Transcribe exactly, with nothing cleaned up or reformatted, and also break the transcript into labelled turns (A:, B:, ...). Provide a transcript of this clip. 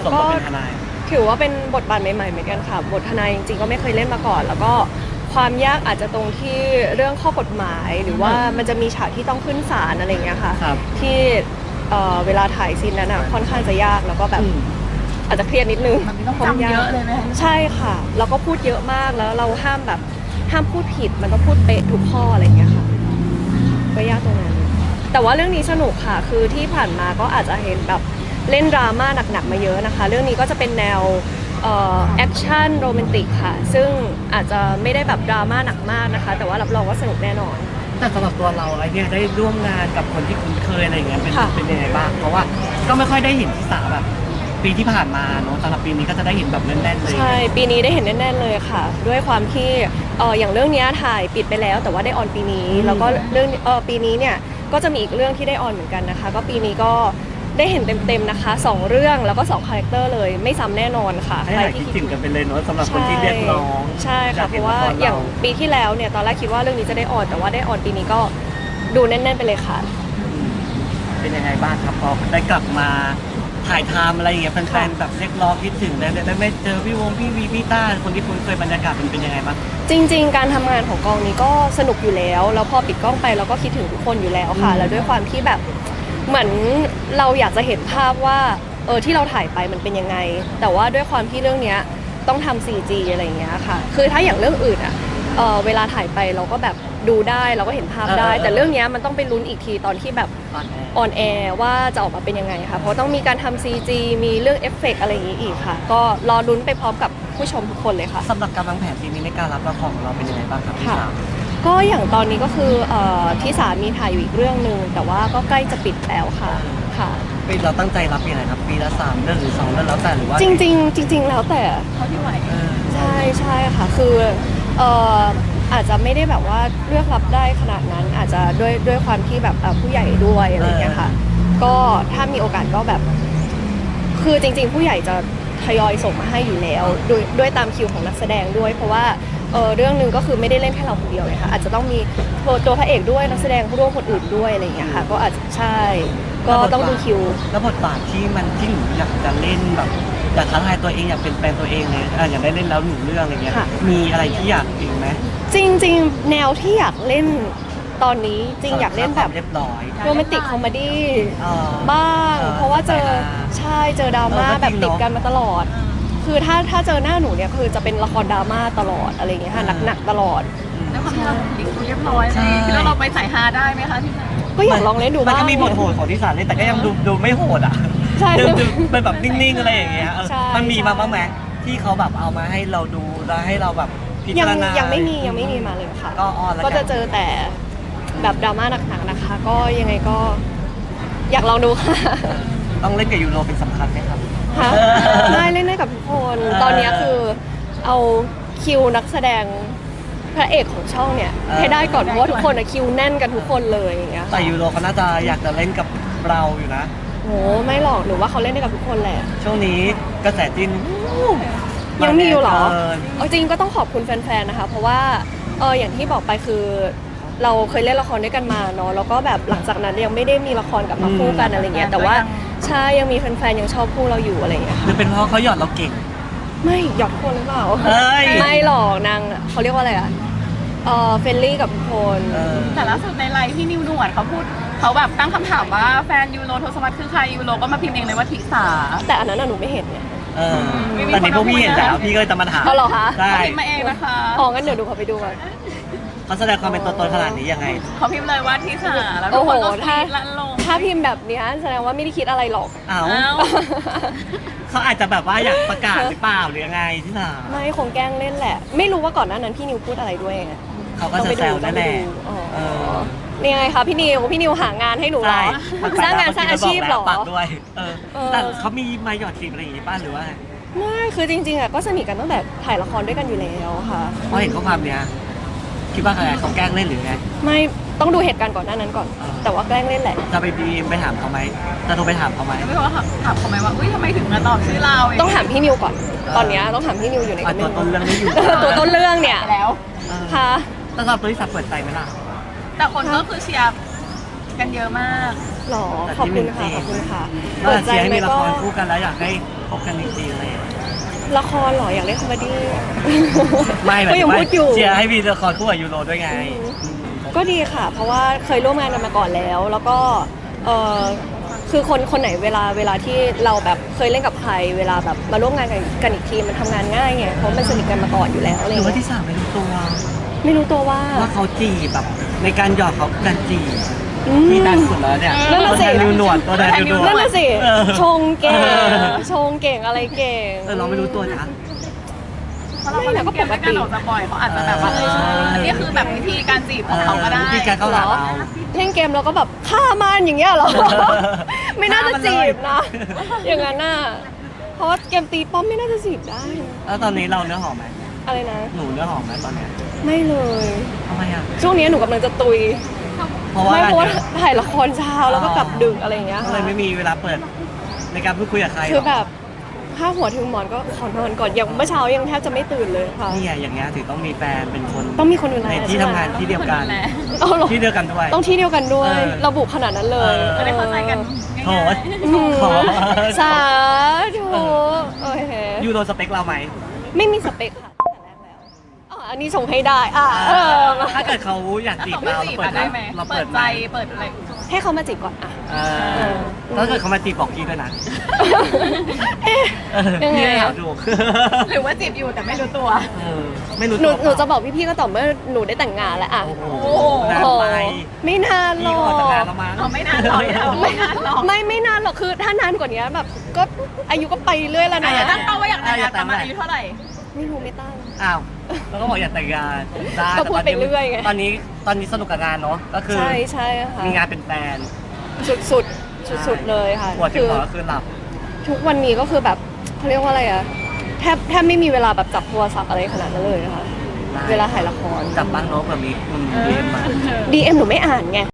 A: มกับเป็นทนาย
B: ถือว่าเป็นบทบาทใหม่ๆเหมือนกันค่ะบททนายจริงๆก็ไม่เคยเล่นมาก่อนแล้วก็ความยากอาจจะตรงที่เรื่องข้อกฎหมายหรือว่ามันจะมีฉากที่ต้องขึ้นศาลอะไรเงี้ยค่ะที่เวลาถ่ายซีนนั้นอ่ะค่อนข้างจะยากแล้วก็แบบอาจจะเครียดนิดนึง
C: มันต้องจำเยอะเลยไหม
B: ใช่ค่ะแล้วก็พูดเยอะมากแล้วเราห้ามแบบห้ามพูดผิดมันต้องพูดเป๊ะทุกข้ออะไรเงี้ยค่ะก็ยากตรงนั้นแต่ว่าเรื่องนี้สนุกค่ะคือที่ผ่านมาก็อาจจะเห็นแบบเล่นดราม่าหนักๆมาเยอะนะคะเรื่องนี้ก็จะเป็นแนวแอคชั่นโรแมนติกค่ะซึ่งอาจจะไม่ได้แบบดราม่าหนักมากนะคะแต่ว่ารับรองว่าสนุกแน่นอน
A: แต่สำหรับตัวเราไอ้เนี่ยได้ร่วมงานกับคนที่คุ้นเคยอะไรอย่างเงี้ยเป็นเป็นยังไงบ้างเพราะว่าก็ไม่ค่อยได้เห็นที่สาแบบปีที่ผ่านมาเนาะสำหรับปีนี้ก็จะได้เห็นแบบแน่นๆเลย
B: ใช่ปีนี้ได้เห็นแน่นๆเลยค่ะด้วยความที่เอออย่างเรื่องนี้ถ่ายปิดไปแล้วแต่ว่าได้ออนปีนี้แล้วก็เรื่องเออปีนี้เนี่ยก็จะมีอีกเรื่องที่ได้ออนเหมือนกันนะคะก็ปีนี้ก็ได้เห็นเต็มๆนะคะสองเรื่องแล้วก็สองคาแรคเตอร์เลยไม่ซ้ำแน่นอนค่ะ
A: ใครที่คิดถึงกันไปเลยเนาะสำหรับคนที่เรียกร้อง
B: ใช่ค่ะเพราะว่าอย่างปีที่แล้วเนี่ยตอนแรกคิดว่าเรื่องนี้จะได้ออนแต่ว่าได้ออนปีนี้ก็ดูแน่นๆไปเลยค่ะ
A: เป็นยังไงบ้างครับพอได้กลับมาถ่ายทำอะไรอย่างเงี้ยแฟนๆแบบเรียกร้องคิดถึงได้ได้ไม่เจอพี่วงพี่วีพี่ต้าคนที่คุ้นเคยบรรยากาศมันเป็นยังไงบ้าง
B: จริงๆการทำงานของกองนี้ก็สนุกอยู่แล้วแล้วพอปิดกล้องไปเราก็คิดถึงทุกคนอยู่แล้วค่ะแล้วด้วยความที่แบบเหมือนเราอยากจะเห็นภาพว่าเออที่เราถ่ายไปมันเป็นยังไงแต่ว่าด้วยความที่เรื่องนี้ต้องทำ ซี จี อะไรอย่างเงี้ยค่ะคือถ้าอย่างเรื่องอื่นอะเออเวลาถ่ายไปเราก็แบบดูได้เราก็เห็นภาพได้แต่เรื่องนี้มันต้องไปลุ้นอีกทีตอนที่แบบออนแอร์ว่าจะออกมาเป็นยังไงค่ะเพราะต้องมีการทำ ซี จี มีเรื่องเอฟเฟกต์อะไรอย่างนี้อีกค่ะก็รอลุ้นไปพร้อมกับผู้ชมทุกคนเลยค่ะ
A: สำหรับการวางแผนปีนี้ในการรับละครของเราเป็นยังไงบ้างครับพี่สาว
B: ก็อย่างตอนนี้ก็คือที่สามีถ่ายอยู่อีกเรื่องหนึ่งแต่ว่าก็ใกล้จะปิดแล้วค่ะค่ะ
A: ปีเราตั้งใจรับยังไงครับปีละสามเรื่องหรือสองเรื่องแล้วแต่หรือว่า
B: จริงๆจริงๆแล้วแต่
C: เท่าที่ไหว
B: ใช่ใช่ค่ะคือเอ่ออาจจะไม่ได้แบบว่าเลือกรับได้ขนาดนั้นอาจจะด้วยด้วยความที่แบบผู้ใหญ่ด้วยอะไรอย่างเงี้ยค่ะก็ถ้ามีโอกาสก็แบบคือจริงๆผู้ใหญ่จะทยอยส่งมาให้อยู่แล้วด้วยด้วยตามคิวของนักแสดงด้วยเพราะว่าเออเรื่องหนึ่งก็คือไม่ได้เล่นแค่เราคนเดียวเลยค่ะอาจจะต้องมีตัวพระเอกด้วยนักแสดงร่วมคนอื่นด้วยอะไรอย่างเงี้ยค่ะก็อาจจะใช่ก็ต้องดูคิว
A: แล้วบทบาทที่มันที่หนูอยากจะเล่นแบบอยากท้าทายตัวเองอยากเป็นแฟนตัวเองเลยอยากได้เล่นแล้วหนึ่งเรื่องอะไรเงี้ยมีอะไรที่อยากอีกไหม
B: จริงๆแนวที่อยากเล่นตอนนี้จริงอยากเล่นแบบ
A: เรียบร้อย
B: โรแมนติกคอมเมดี้บ้างเพราะว่าเจอใช่เจอดราม่าแบบติดกันมาตลอดคือถ้าถ้าเจอหน้าหนูเนี่ยคือจะเป็นละครดราม่าตลอดอะไรอย่างเงี้ยค่ะหนักๆตลอด
C: แล้วความที่เราเรียบร้อยเลยแล้วเราไปใส่ฮาได้ไหมคะที่ไหน
B: ก็อยากลองเล่นดูบ้าง
A: มันก็มีบทโหดของที่สารเล่นแต่ก็ยังดูดูไม่โหดอ่ะ
B: ใช่
A: เป็นแบบนิ่งๆอะไรอย่างเงี้ยมันมีมาบ้างไหมที่เขาแบบเอามาให้เราดูแล้วให้เราแบบพิจารณา
B: ยังไม่มียังไม่มีมาเลยค่ะ
A: ก็ออนแล้ว
B: ก็จะเจอแต่แบบดราม่าหนักๆนะคะก็ยังไงก็อยากลองดูค่ะ
A: ต้องเล่นกับยูโรเป็นสำคัญไหมครับ
B: ได้เล่นได้กับทุกคนตอนนี้คือเอาคิวนักแสดงพระเอกของช่องเนี่ยให้ได้ก่อนเพราะว่าทุกคนอะคิวแน่นกันทุกคนเลยอย่างเงี้ย
A: แต่ยูโรเขาน่าจะอยากจะเล่นกับเราอยู่นะ
B: โหไม่หรอกหนูว่าเขาเล่นได้กับทุกคนแหละ
A: ช่วงนี้กระแสจีน
B: ยังมีอยู่หรอจริงก็ต้องขอบคุณแฟนๆนะคะเพราะว่าเอออย่างที่บอกไปคือเราเคยเล่นละครด้วยกันมาเนาะแล้วก็แบบหลังจากนั้นยังไม่ได้มีละครกับมาคู่กันอะไรเงี้ยแต่ว่าใช่ยังมีแฟนๆยังชอบคู่เราอยู่อะไรเงี้ย
A: หรือเป็นเพราะเขาหยอดเราเก่ง
B: ไม่หยอดคนหรือเปล่าไม่หรอกนางเขาเรียกว่าอะไรอะเออเฟรนลี่กับทุกคน
C: แต่ล่าสุดในไลฟ์พี่นิวหนวดเขาพูดเขาแบบตั้งคำถามว่าแฟนยูโรโทสมัตคือใครยูโรก็มาพิมพ์เองเลยว่าทิสา
B: แต่อันนั้นหนูไม่เห็นเนี่ย
A: ตอนนี้พวกพี่เห็นแล้วพี่ก็จะมาถาม
B: เขาเหรอคะ
C: ใช่พิมพ์มาเองนะคะ
B: อ๋องั้นเดี๋ยวดูเขาไปดูก่อน
A: เขาแสดงความเป็นตัวตนขนาดนี้ยังไง
C: เขาพิมพ์เลยว่าทิสาแล้วทุกคนก็คิดละลง
B: ถ้าพิมพ์แบบนี้แสดงว่าไม่ได้คิดอะไรหรอก
A: อ้าวเขาอาจจะแบบว่าอยากประกาศหรือเปล่าหรือยังไงทิสา
B: ไม่คงแกล้งเล่นแหละไม่รู้ว่าก่อนหน้านั้นพี่นิวพูดอะไรด้วย
A: เขาก็จะแซวนั่นแหละ
B: นี่ไงคะพี่นิวพี่นิวหางานให้หนูเหรอสร้างงานสร้างอาชีพหรอ
A: ปักด้วยแต่เขามีมาหยอดจีบอะไรอย่างงี้ป้าหรือว่า
B: ไม่คือจริงๆอ่ะก็สนิทกันตั้งแต่ถ่ายละครด้วยกันอยู่แล้วค่ะ
A: เพราะเห็นข้อความเนี้ยคิดว่าใครเขาแกล้งเล่นหรือไง
B: ไม่ต้องดูเหตุการณ์ก่อนหน้านั้นก่อนแต่ว่าแกล้งเล่นแหละ
A: จะไปดีไปถามเขาไหมจะโทรไปถามเขาไหม
C: ไม่รู้ว่าถามเขาไหมว่าอุ้ยทำไมถึงมาตอบชื่อเรา
B: ต้องถามพี่นิวก่อนตอนนี้ต้องถามพี่นิวอยู่ใน
A: ตัวต้นเรื่องนี้อยู่
B: ตัวต้นเรื่องเนี่ย
C: แล้ว
B: ค่ะ
A: สำหรับตัวที่สับเปิดใจไหมล่ะ
C: แต่คนก็คือเชียร์กันเยอะมาก
B: หรอขอบคุณค่ะขอบคุณค่ะ
A: เปิดใจให้มีละครคู่กันแล้วอยากให้พบกันจริงๆอะไรอย่างเงี้ย
B: ละครเหรออยากเล่นคอมเมดี้
A: ไม่หมาย
B: ก็
A: ถึ
B: ยัง
A: งว่า
B: พูดอยู่
A: เชียร์ให้มีละครคู่กับยูโรด้วยไง
B: ก็ดีค่ะ เพราะว่าเคยร่วมงานกันมาก่อนแล้ว แล้วก็เออคือคนคนไหนเวลาเวลาที่เราแบบเคยเล่นกับใคร เวลาแบบมาร่วมงานกันกันอีกทีมันทำงานง่ายไงเพราะมันสนิทกันมาก่อนอยู่แล้วอะไร
A: หรือว่า
B: เงี้ย
A: ที่สามไม่รู้ตัว
B: ไม่รู้ตัวว่า
A: ว่าเขาจีบแบบในการหยอดเขาการจีบ
B: อืม
A: ที่ดังสุดแล้วเนี่ย
B: นั่น
A: ตั
B: น่ะ
A: ว
B: สิ
A: แทนนิวหนวดตัวแทนนิวหนวด
B: นั่นน่ะสิ
A: เออ
B: ชงเก่ง
A: เออ
B: ชงเก่งอะไรเก่ง
A: เออเราไม่รู้ตัวนะ
C: เพราะเราก็เล่นเกมด้วยกันออกจะบ่อยเขาอาจจะแบบว่าเอออันนี้คือแบบวิธีการจีบของเขาก็ได้
A: วิธีการเข้าหาเรา
B: เล่นเกมเราก็แบบฆ่ามันอย่างเงี้ยเหรอ ไม่น่าจะจีบนะ อย่างนั้นน่ะเพราะว่าเกมตีป้อมไม่น่าจะจีบได้
A: แล้วตอนนี้เราเนื้อหอมไหม
B: อะไรนะ
A: หนูเนื้อหอมไหมตอนเนี้ย
B: ไม่เลย
A: ทำไมอ่ะ
B: ช่วงนี้หนูกำลังจะตุย
A: เพราะว่า
B: ไม่เพราะว่า
A: เยอะ
B: ถ่ายละครเช้าแล้วก็กลับดึกอะไรอย่างเงี้ย
A: ก็
B: ค่ะ
A: เลยไม่มีเวลาเปิดในการพูดคุยกับใครหร
B: คือแบบถ้าหัวถึงหมอนก็ขอนอนก่อนอย่างเมื่อเช้ายังแทบจะไม่ตื่นเลยค่ะ
A: นี่ไงอย่างเงี้ยถึงต้องมีแฟนเป็นคน
B: ต้องมีคนดูแล
A: ในที่ทำงาน
B: ใช่ไหม
A: ที่เดียวกัน
C: คนดูแล
B: เอาเหรอ
A: ที่เดียวกันด้วย
B: ต้องที่เดียวกันด้วย
A: เออ
B: ระบุขนาดนั้นเลย
A: เออ
C: จะได้เข้าใจกันง่าย
A: โห
B: อืม
A: ขอ
B: สาธุโอเค
A: ยูโรสเปคเราไหม
B: ไม่มีสเปคค่ะตั้งแต่แรกแล้วอ๋ออันนี้ส่งให้ได้อ่ะเออ
A: ถ้าเกิดเขาอยาก
C: ๆ
A: จีบ
C: เขาไม่
A: เรา
C: จีบ
A: เราเปิ
C: อะ
A: ด
C: ได้ไหม
A: เรา
C: เปิ
A: เปิ
C: ด
A: ด
C: ใจ
A: ใจ
C: เปิดอะไร
B: ให้เขามาจีบก่อนอ่ะ
A: เออถ้าเกิดเขามาจีบบอกพี่ด้วยนะ
B: เอ๊ะ
A: เออ
B: ยังไง
A: พี่ไม่
B: อะ
A: ถามถูก
C: หรือว่าจีบอยู่แต่ไม่รู้ตัว
A: เออไม่รู้
B: หนู
A: ตัว
B: หนูจะบอกพี่ๆก็ต่อเมื่อหนูได้แต่งงานแล้วอ่ะ
A: โอ้โห
C: โอ้โห
A: นาน
B: โอ้
A: ไป
B: ไม่นานหร
A: พี่
B: อ
A: ก็ออกจากงาน
B: ก
A: แล้วมั้ง
C: เอาไม่นานหรอกเอาไม่นานหรอก
B: ไม่ไม่นานหรอกคือถ้านานกว่านี้แบบก็อายุก็ไปเรื่อยแล้วนะ
C: อ่ะตั้งเป้าว่าอยากแต่งงานประมาณอายุเท่าไหร่
B: ไม่รู้ไม่ตั้ง
A: อ้าวแล้วก็บอกอยากแต่งงานได้
B: ก็พูดไปเรื่อยไง
A: ตอนนี้ตอนนี้สนุกกับงานเนาะก็คือ
B: ใช่ใช่ค่ะ
A: มีงานเป็นแฟน
B: สุดสุดสุดสุดๆเลยค่ะ
A: ปวดถึ
B: คื
A: ง
B: อ
A: หัวก็คือหลับ
B: ทุกวันนี้ก็คือแบบเขาเรียกว่าอะไรอะแทบแทบไม่มีเวลาแบบจับโทรศัพท์อะไรขนาดนั้นเลยนะคะ
A: ได้
B: เวลาถ่ายละคร
A: จับบ้างเนาะเผื่อมีคุณเรียนมา
B: ดีเอ็มหนูไม่อ่านไง